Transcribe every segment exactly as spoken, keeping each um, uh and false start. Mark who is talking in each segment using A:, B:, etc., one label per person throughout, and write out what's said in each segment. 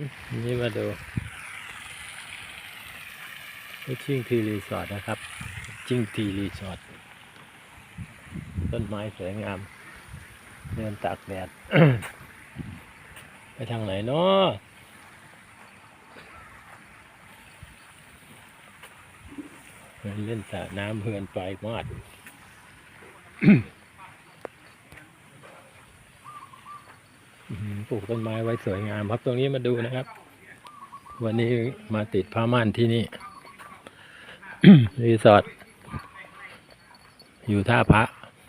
A: นี่มาดูชิ่งทีรีสอร์ทนะครับชิ่งทีรีสอร์ทต้นไม้สวยงามเดินตากแดด ไปทางไหนเนาะเล่นสระน้ำเฮือนไปมอด ปลูกต้นไม้ไว้สวยงามครับตรงนี้มาดูนะครับวันนี้มาติดผ้าม่านที่นี่ รีสอร์ทอยู่ท่าพระ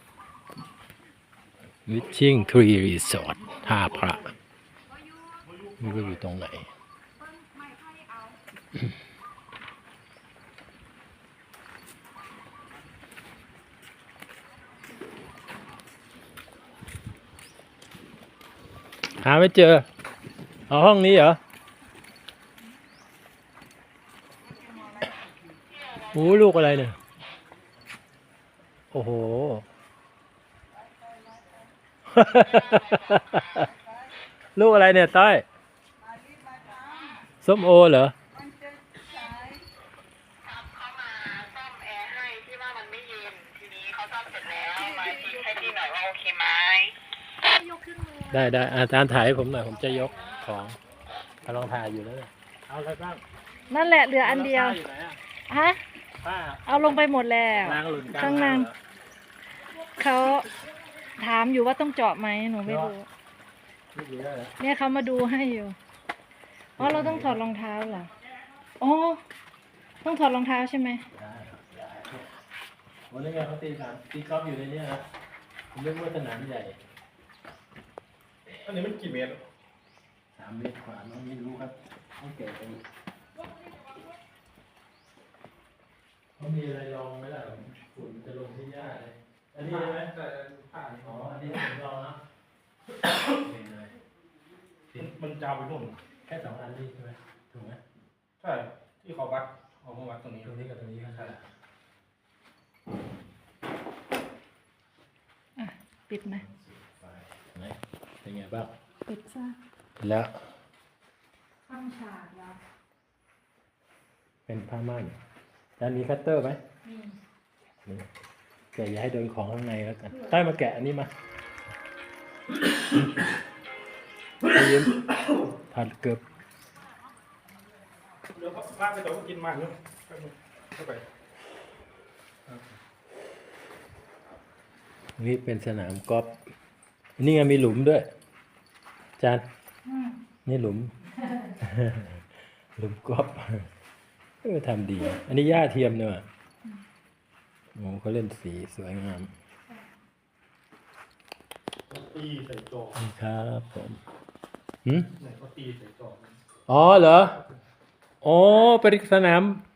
A: วิชชิ่งทรีรีสอร์ทท่าพระไม่รู้อยู่ตรงไหน หาไม่เจอเอาห้องนี้เหรอโอ้ลูกอะไรเนี่ยโอ้โห ลูกอะไรเนี่ยต้อยส้มโอเหรอ
B: เขามาซ่อมแอร์ให้ที่ว่ามันไม่เย็นทีนี้เขาซ่อมเสร็จแล้วมาเช็คให้พี่หน่อยว่าโอเคไหม
A: ได้ได้อาจารย์ถ่ายให้ผมหน่อยผมจะยกของกำลังถ่ายอยู่แล้วเนี่ยเอาอะไรบ้าง
C: นั่นแหละเหลืออันเดียว
A: อยู่ไหนอะ
C: ฮะ
A: ป้า
C: เอาลงไปหมดแล้ว
A: นางหลุนกลาง
C: ข้างล่าง
A: เหรอ
C: เขาถามอยู่ว่าต้องเจาะไหมหนูไม่รู้
A: ไม่ดีแล้วเหรอ
C: เนี่ยเขามาดูให้อยู่อ๋อเราต้องถอดรองเท้าเหรออ๋อต้องถอดรองเท้าใช่ไหม
A: ได้ครับได้วันนี้ไงเขาตีสามตีกอล์ฟอยู่ในนี้นะผมเรียกว่าสนามใหญ่
D: อันนี้มันกี่เมตร
A: สามเมตรกว่าน้องไม่รู้ครับต้องเก็บไปเขามีอะไรลองไหมล่ะฝุ่นจะลงที่หญ้าเลยอันนี้ใช่ไหม
D: แต่ผ่าน
A: อ๋ออันนี้ผมลองนะเห็นเลย
D: มันจาวไปนู่น
A: แค่สองอันนี้ใช่ไหมถูกไหม
D: ใช่ ที่เขาวัดเขามาวัดตรงนี้
A: ตรงนี้กับตรงนี้ก็ใช่
C: อ่ะปิดไหม
A: ไหนเป็นไงบ้าง
C: ปิดซะ
A: แล้ว
C: ข้างฉากแล้ว
A: เป็นผ้าม่านแล้วมีคัตเตอร์ไหม
C: นี่
A: นี่แกะอย่าให้โดนของข้างในแล้วกันใต้มาแกะอันนี้มาไปยืมผัดเกือบ
D: เดี๋ยวพาไปเดี๋ยวกินมันนู่นเข้าไป
A: นี่เป็นสนามกอล์ฟนี่ไงมีหลุมด้วยจาน
C: อืม
A: นี่หลุม หลุมกอล์ฟเออทำดี อันนี้หญ้าเทียมเนอะโอ้เขาเล่นสีสวยงาม
D: ตีใส่จอ
A: นี่ครับผมหืม
D: ไหนเขาตีใส่จอ
A: อ๋อเหรอ อ๋อเป็นสนาม